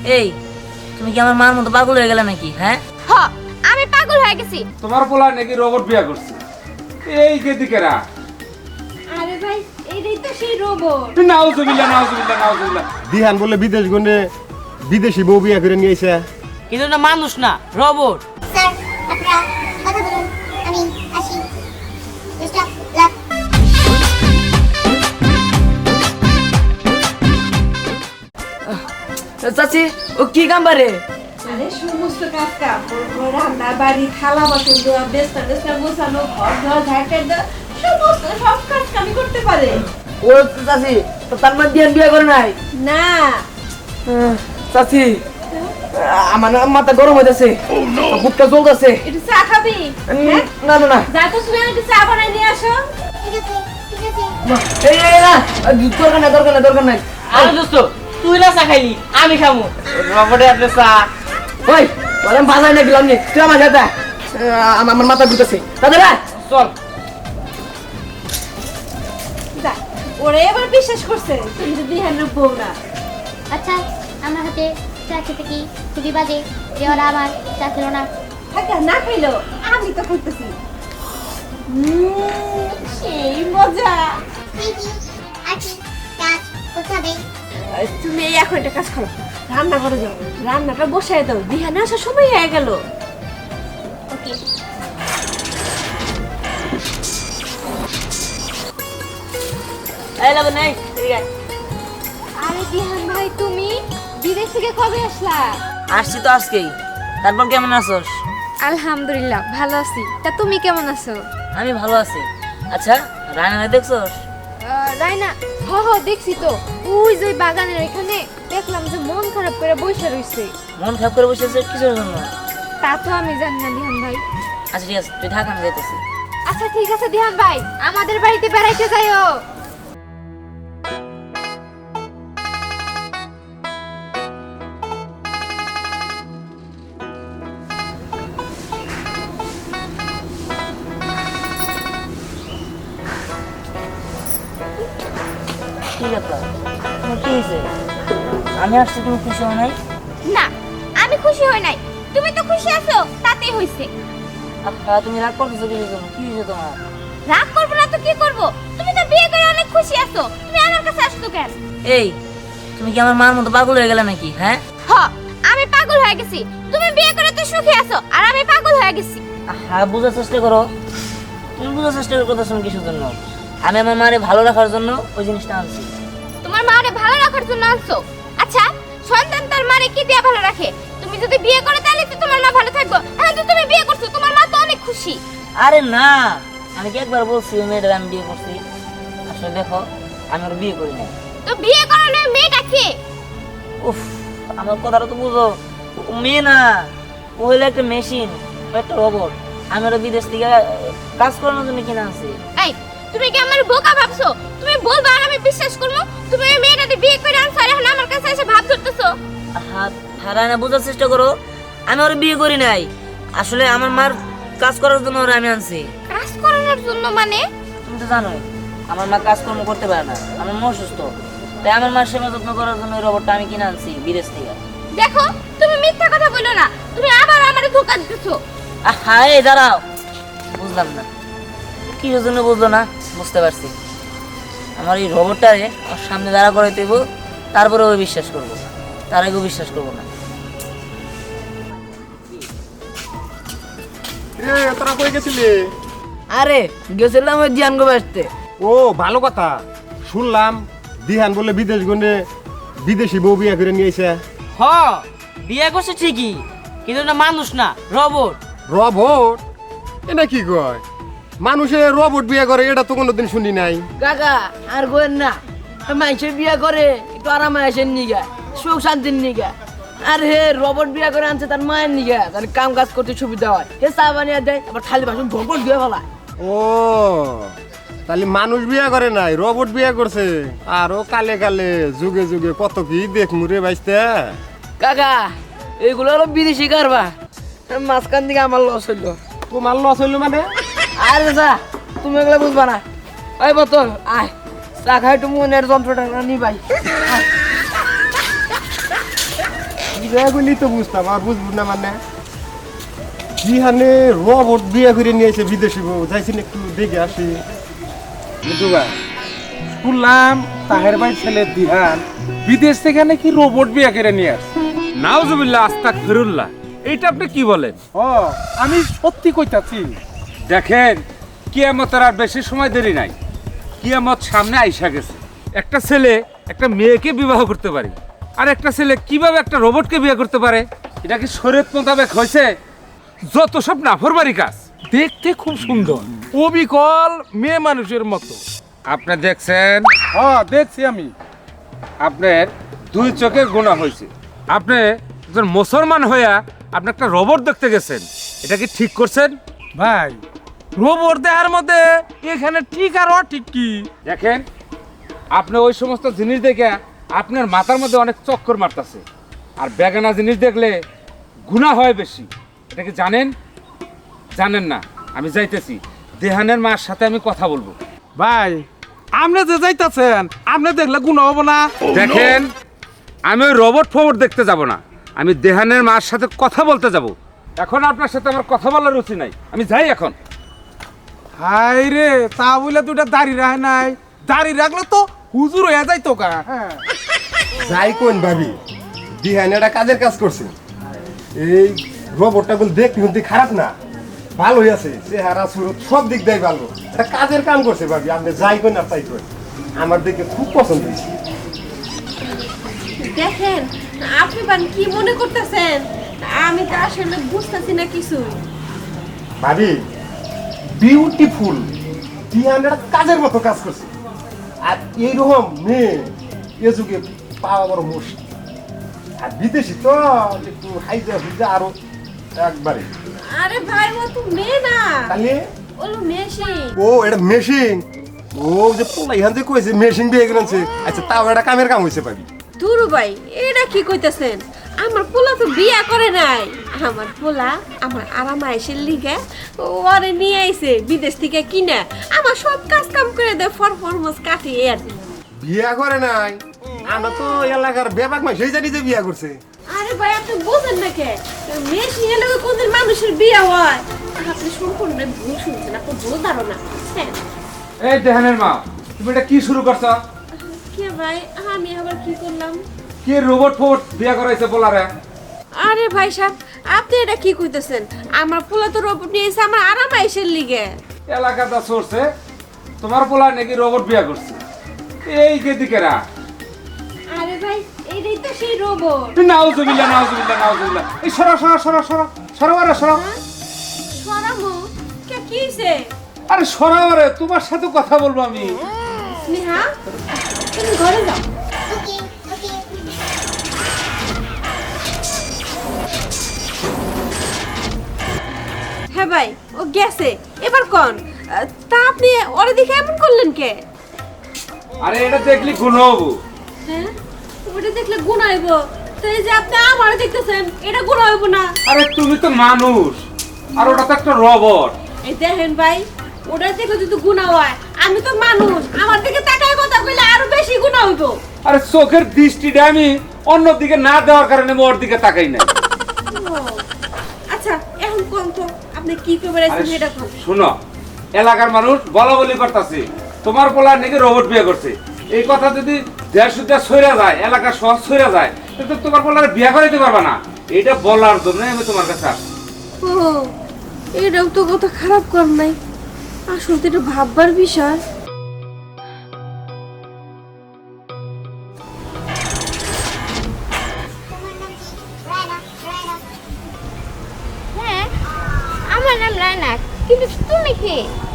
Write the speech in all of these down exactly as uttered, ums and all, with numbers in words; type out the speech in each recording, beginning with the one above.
এই তুমি কি আমার মার মতো পাগল হয়ে গেলে নাকি? হ্যাঁ হ আমি পাগল হয়ে গেছি। তোমার পোলা নাকি রোবট বিয়া করছে? এই কে দিকেরা? আরে ভাই এইটাই তো সেই রোবট। নাউজুবিল্লাহ নাউজুবিল্লাহ নাউজুবিল্লাহ। দিহান বলে বিদেশ গন্ডে বিদেশি বউ বিয়া করে নিয়ে আইছে। কিন্তু না মানুষ না, রোবট। স্যার আপনারা কথা বলুন, আমি আসি। Best of luck. চাচি ও কি কাম পারে? আরে সমস্ত কাজ কাপড় ধোয়া, রান্না বাড়ি, থালা বাসন ধোয়া, বেস্তা বেস্তা গোছানো, ঘর ধোয়া, ঝাড় দেওয়া, সমস্ত সব কাজ আমি করতে পারে। ও চাচি তো তার মধ্যে দিয়ে বিয়ে করে নাই? না চাচি আমার না মাথা গরম হইতাছে, বুকটা জ্বলতাছে। একটু চা খাবি? হ্যাঁ? না না না যা তো শুনে একটু চা বানাই নিয়ে আসো। ঠিক আছে ঠিক আছে। এই এই না দরকার নাই দরকার নাই দরকার নাই। আরে দোস্ত তুই না চা খাইলি, আমি খামু। রবটে আপনি চা। ওই বলে বাজার না গেলাম নি, তুই আমার সাথে আয়। আমার আমার মাথা ঘুরতেছে দাদা। চল। যা, ওরা এবার বিশ্বাস করছে তুমি তো দিহানের বউ না। আচ্ছা আমার হাতে চা খেতে কি খুবই বাজে যে ওরা আমার চা খেলো না? থাকা না খাইলো আমি তো খাইতেছি। উম, সেই মজা। Thank you. আর কি কাজ করতে হবে? তুমি এই এখন একটা কাজ করো, রান্না করে যাও, রান্নাটা বসায় দাও, দিহানে আসার সময় হয়ে গেল। ওকে। এই লাগো নাই ঠিক আছে। আরে দিহান ভাই তুমি বিদেশ থেকে কবে আসলা? আসছি তো আজকেই। তারপর কেমন আছোস? আলহামদুলিল্লাহ ভালো আছি। তা তুমি কেমন আছো? আমি ভালো আছি। আচ্ছা রান্না দেখছোস? আহ, রাইনা হ হ দেখছি তো, ওই যে ওই বাগানের ওইখানে দেখলাম যে মন খারাপ করে বসে রইছে। মন খারাপ করে বসে আছে কিসের জন্য? তা তো আমি জানি না দিহান ভাই। আচ্ছা ঠিক আছে তুই থাক, আমি যাইতেছি। আচ্ছা ঠিক আছে দিহান ভাই, আমাদের বাড়িতে বেড়াইতে যাইও। ঠিক আছে তোমার কি হয়েছে? আমি আসছি তুমি খুশি হও নাই? না আমি খুশি হই নাই, তুমি তো খুশি আছো তাতেই হইছে। আচ্ছা তুমি রাগ করতেছো কিসের জন্য? কি হয়েছে তোমার? রাগ করবো না তো কি করবো, তুমি তো বিয়ে করে অনেক খুশি আছো, তুমি আমার কাছে আসছো কেন? এই তুমি কি আমার মার মতো পাগল হয়ে গেলে নাকি? হ্যাঁ হ আমি পাগল হয়ে গেছি, তুমি বিয়ে করে তো সুখী আছো আর আমি পাগল হয়ে গেছি। হ্যাঁ বোঝার চেষ্টা করো। তুমি বোঝার চেষ্টা করতেছো কিসের জন্য? আমি আমার মারে ভালো রাখার জন্য ওই জিনিসটা আনছি। তোমার মারে ভালো রাখার জন্য আনছো? আচ্ছা সন্তান তার মারে কি দিয়ে ভালো রাখে? তুমি যদি বিয়ে করে তাহলে তো তোমার মা ভালো থাকবে। এখন তো তুমি বিয়ে করছো, তোমার মা তো অনেক খুশি। আরে না, আমি কি একবার বলছি ওই মেয়েটার আমি বিয়ে করছি? আসলে দেখো আমি ওর বিয়ে করি না। তো বিয়ে করানো ওই মেয়েটা কে? উফ আমার কথাটা তো বুঝো, ও মেয়ে না, ও হলো একটা মেশিন, ও একটা রোবট। আমি ওরা বিদেশ থেকে কাজ করানোর জন্য কিনে আনছি। এই তুমি কি আমার বোকা ভাবছো? তুমি বলবা আর আমি বিশ্বাস করবো? তুমি ওই মেয়েটাকে বিয়ে করে আনছো আর এখন আমার কাছে এসে ভাব ধরতেছো? হাত হারায় না, বোঝার চেষ্টা করো। আমি ওর বিয়ে করি নাই, আসলে আমার মার কাজ করার জন্য ওরা আমি আনছি। কাজ করানোর জন্য মানে? তুমি তো জানোই আমার মা কাজকর্ম করতে পারে না, আমার মা অসুস্থ, তাই আমার মার সেবা যত্ন করার জন্য ওই রোবটটা আমি কিনে আনছি বিদেশ থেকে। দেখো তুমি মিথ্যা কথা বলো না, তুমি আবার আমারে ধোঁকা দিতেছো। হ্যাঁ এই দাঁড়াও, বুঝলাম না কি জন্য বুঝলো না, বুঝতে পারছি। আমার এই রোবটটারে ওর সামনে দাঁড়া করে দেবো, তারপরে ও বিশ্বাস করবো, তার আগেও বিশ্বাস করবো না। এ তোরা কই গেছিলি? আরে গেছিলাম ওই জিয়ান গো আসতে। ও ভালো কথা, শুনলাম দিহান বলে বিদেশ গন্ডে বিদেশি বউ বিয়া করে নিয়ে আইছে। হ বিয়ে করছে ঠিকই, কিন্তু না মানুষ না, রবট। রবট? এটা কি কয়? মানুষে রবট বিয়া করে এটা তো কোনোদিন শুনি নাই। কাকা আর গোয়েন না, মানুষের বিয়ে করে একটু আরামে আসেন নিগা, সুখ শান্তির নিগা। আর হে রবট বিয়ে করে আনছে তার মায়ের নিগা, তার কাম কাজ করতে সুবিধা হয়। হে চা বানিয়ে দেয়, আবার থালি বাসন ভোপট দিয়ে ফেলায়। ও তাহলে মানুষ বিয়া করে নাই, রবট বিয়া করছে। আরো কালে কালে যুগে যুগে কত কি দেখ মুরে বাইসতে। কাকা এইগুলো হলো বিদেশি কারবার, মাঝখান দিকে আমার লস হইলো। তোমার লস হইলো মানে? আরে চা তুমি এগুলো বুঝবা না। ওই বোতল আয়, চা খাই একটু মনের যন্ত্রটা নি ভাই। এগুলি তো বুঝতাম আর বুঝবো না মানে জিহানে রবট বিয়ে করে নিয়েছে বিদেশি বউ যাইছি না একটু দেখে আসি। মিঠু ভাই শুনলাম তাহের ভাই ছেলে দিহান বিদেশ থেকে নাকি রোবট বিয়ে করে নিয়ে আসছে। নাউজুবিল্লাহ আস্তাক ফিরুল্লাহ, এইটা আপনি কি বলেন? ও আমি সত্যি কইতাছি। দেখেন কিয়ামতের আর বেশি সময় দেরি নাই, কিয়ামত সামনে আইসা গেছে। একটা ছেলে একটা মেয়েকে বিবাহ করতে পারে, আর একটা ছেলে কিভাবে একটা রোবটকে বিয়ে করতে পারে? এটা কি শরীয়ত মোতাবেক হয়েছে? যত সব নাফরমারি কাজ। দেখতে খুব সুন্দর, অবিকল মেয়ে মানুষের মতো। আপনি দেখছেন? হ্যাঁ দেখছি আমি। আপনার দুই চোখে গুনাহ হয়েছে। আপনি একজন মুসলমান হইয়া আপনি একটা রোবট দেখতে গেছেন, এটা কি ঠিক করছেন? ভাই রোবট দেখার মধ্যে এখানে ঠিক আর অঠিক কি? দেখেন আপনি ওই সমস্ত জিনিস দেখে আপনার মাথার মধ্যে অনেক চক্কর মারতেছে, আর বেগানা জিনিস দেখলে গুনাহ হয় বেশি। এটা কি জানেন? জানেন না? আমি যাইতেছি, দেহানের মার সাথে আমি কথা বলবো। ভাই আপনি যে যাইতাছেন আপনি দেখলে গুণ হবো না। দেখেন আমি ওই রোবট ফোবট দেখতে যাব না, আমি দেহানের মার সাথে কথা বলতে যাব। এখন আপনার সাথে আমার কথা বলার রুচি নাই, আমি যাই এখন। হাই রে, তা বলে দুটা দাড়ি রাখে নাই, দাড়ি রাখলে তো হুজুর হয়ে যাই তো কা। হ্যাঁ যাই কোন ভাবি দিহানে একটা কাজের কাজ করছে। এই রোবটটা বলে দেখতে কিন্তু খারাপ না, ভালোই আছে, চেহারা সুরত সব দিক দিয়ে ভালো, একটা কাজের কাম করছে ভাবি। আপনি যাই কোন না তাই কোন, আমার দেখে খুব পছন্দ হয়েছে। দেখেন আপনি বান কি মনে করতেছেন, আমি তো আসলে বুঝতেছি না কিছু। ভাবি বিউটিফুল, দিহানে একটা কাজের মতো কাজ করছে। আর এইরকম মেয়ে এ যুগে পাওয়া বড় মুশকিল, আর বিদেশি তো একটু হাইজা হুইজা আরো একবারে। আরে ভাই ও তো মেয়ে না, তাহলে ওলো মেশিন। ও এটা মেশিন, ও যে পোলা ইহান যে কইছে মেশিন বিয়ে করেছে। আচ্ছা তাও এটা কামের কাম হয়েছে ভাবি। দুরু ভাই এটা কি কইতাছেন? আমার পোলা তো বিয়া করে নাই, আমার পোলা আমার আরাম আইসের লিগে ওরে নিয়ে আইছে বিদেশ থেকে কিনা, আমার সব কাজ কাম করে দেয়, ফর ফরমস কাটে আর। বিয়া করে নাই, আমরা তো এলাকার ব্যাপক মাই সেই জানি যে বিয়া করছে। আরে ভাই আপনি বুঝেন না কে, মেশিন এলে কোনদিন মানুষের বিয়া হয়? আপনি সম্পূর্ণ ভুল শুনছেন, আপনি ভুল ধারণা। হ্যাঁ এই দেহানের মা, তুমি এটা কি শুরু করছো? কে ভাই আমি আবার কি করলাম? কি রোবট ফোবট বিয়ে করাইছে বলারে? আরে ভাই সাহেব আপনি এটা কি কইতেছেন? আমার পোলা তো রোবট নিয়েছে আমার আরাম আইসের লিগে। এলাকাটা চড়ছে তোমার পোলা নাকি রোবট বিয়ে করছে, এই কে দিকেরা? আরে ভাই এইটাই তো সেই রোবট। নাউজুবিল্লাহ নাউজুবিল্লাহ নাউজুবিল্লাহ। এই সরা সরা সরা সরা সরা আরে সরা। সরামু কে কিছে? আরে সরা আরে, তোমার সাথে কথা বলবো আমি। স্নেহা তুমি ঘরে যাও। ওকে ওকে হ্যাঁ ভাই ও গেছে, এবার কোন তা আপনি ওরে দেখে এমন করলেন কে? আরে এটা দেখলি গুণ হবো। হ্যাঁ ওটা দেখলে গুণ হইব, তো এই যে আপনি আমারে দেখতেছেন এটা গুণ হইব না? আরে তুমি তো মানুষ আর ওটা তো একটা রোবট। এই দেখেন ভাই ওটা দেখে যদি গুণ হয়, আমি তো মানুষ, আমার দিকে তাকায় কথা কইলে আরো বেশি গুণ হইব। আরে চোখের দৃষ্টিটা আমি অন্য দিকে না দেওয়ার কারণে আমি ওর দিকে তাকাই না। ও, আচ্ছা এখন কোন তো আপনি কি করে আরে এটা কোন? শোনো, এলাকার মানুষ বলা বলি করতেছে তোমার পোলা নাকি রোবট বিয়ে করছে। এই কথা যদি দেড় সুদ্ধা সইরা যায়, এলাকার সহজ সইরা যায়, তো তোমার পোলার বিয়ে করাইতে পারবা না। এটা বলার জন্য আমি তোমার কাছে আসছি। ও এটাও তো কথা খারাপ কর নাই, আসলে তো এটা ভাববার বিষয়। হ্যাঁ আমার নাম রায়না, কিন্তু তুমি কে?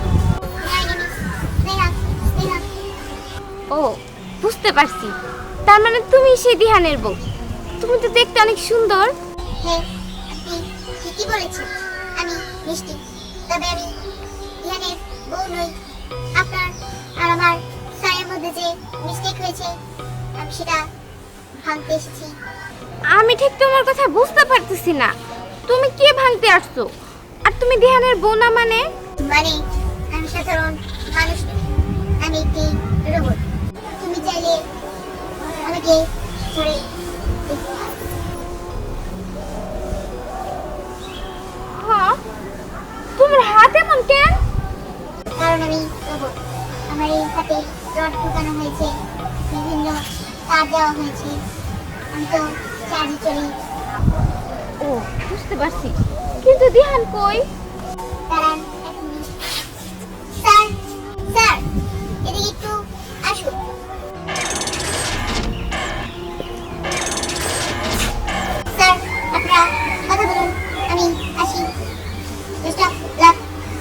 ও বুঝতে পারছি, তার মানে তুমি সেই দিহানের বউ। তুমি তো দেখতে অনেক সুন্দর। হ্যাঁ আপনি ঠিকই বলেছেন, আমি মিষ্টি, তবে আমি ধ্যানের বউ নই। আপনার আর আমার সায়ের মধ্যে যে মিস্টেক হয়েছে আমি সেটা ভাঙতে এসেছি। আমি ঠিক তোমার কথা বুঝতে পারতেছি না, তুমি কে ভাঙতে আসছো? আর তুমি দিহানের বউ না মানে? মানে আমি সাধারণ মানুষ নই, আমি একটি রোবট। তুমি চাইলে আমাকে ধরে দেখতে পারো। রড ঢুকানো হয়েছে, বিভিন্ন তার দেওয়া হয়েছে। আমি তো চার্জে চলি। ও বুঝতে পারছি, কিন্তু দিহান কই? দাঁড়ান এক মিনিট। স্যার স্যার এদিকে একটু আসুন। স্যার আপনারা কথা বলুন, আমি আসি। Best of luck.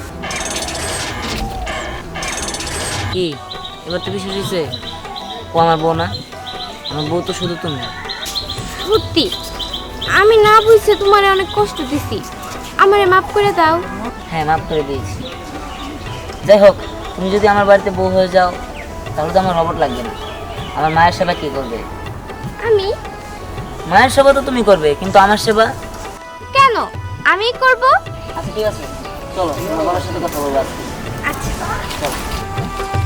কি এবার তো বিষয় হয়েছে, ও আমার বউ না, আমার বউ তো শুধু তুমি। সত্যি আমি না বুঝছে তোমারে অনেক কষ্ট দিছি, আমারে মাফ করে দাও। হ্যাঁ মাফ করে দিয়েছি। যাই হোক, তুমি যদি আমার বাড়িতে বউ হয়ে যাও তাহলে তো আমার রবট লাগবে না। আমার মায়ের সেবা কে করবে? আমি? মায়ের সেবা তো তুমি করবে, কিন্তু আমার সেবা? কেন আমি করব? আচ্ছা ঠিক আছে, চলো আমার বাবার সাথে কথা বলবো আজকে। আচ্ছা চলো।